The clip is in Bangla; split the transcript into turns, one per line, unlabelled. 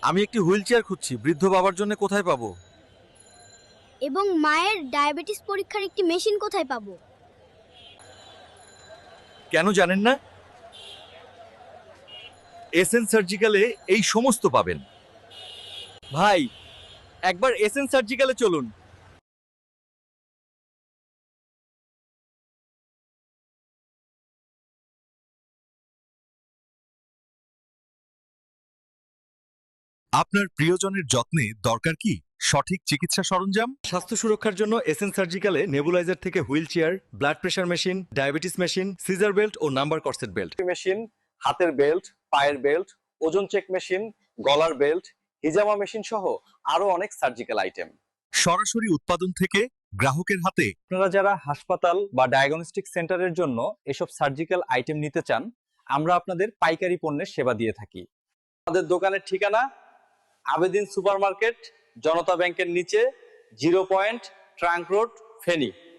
আমি একটি হুইল চেয়ার খুঁজছি, বৃদ্ধ বাবার জন্য কোথায় পাবো?
এবং মায়ের ডায়াবেটিস পরীক্ষার একটি মেশিন কোথায় পাবো?
কেন জানেন না? এসএন সার্জিক্যালে এই সমস্ত পাবেন। ভাই, একবার এসএন সার্জিক্যালে চলুন। আপনার প্রিয়জনের যত্নে দরকার কি সঠিক চিকিৎসা সরঞ্জাম? স্বাস্থ্য সুরক্ষার জন্য এসএন সার্জিক্যালে নেবুলাইজার থেকে wheel chair, blood pressure machine, diabetes machine, সিজার বেল্ট ও নাম্বার কর্সেট বেল্ট
মেশিন, হাতের বেল্ট, পায়ের বেল্ট, ওজন চেক মেশিন, গলার বেল্ট, হিজামা মেশিন সহ আরো অনেক সার্জিক্যাল আইটেম
সরাসরি উৎপাদন থেকে গ্রাহকের হাতে।
আপনারা যারা হাসপাতাল বা ডায়াগনস্টিক সেন্টারের জন্য এসব সার্জিক্যাল আইটেম নিতে চান, আমরা আপনাদের পাইকারি পণ্যের সেবা দিয়ে থাকি। আমাদের দোকানের ঠিকানা আবেদিন সুপারমার্কেট, জনতা ব্যাংকের নিচে, 0 পয়েন্ট, ট্রাঙ্ক রোড, ফেনী।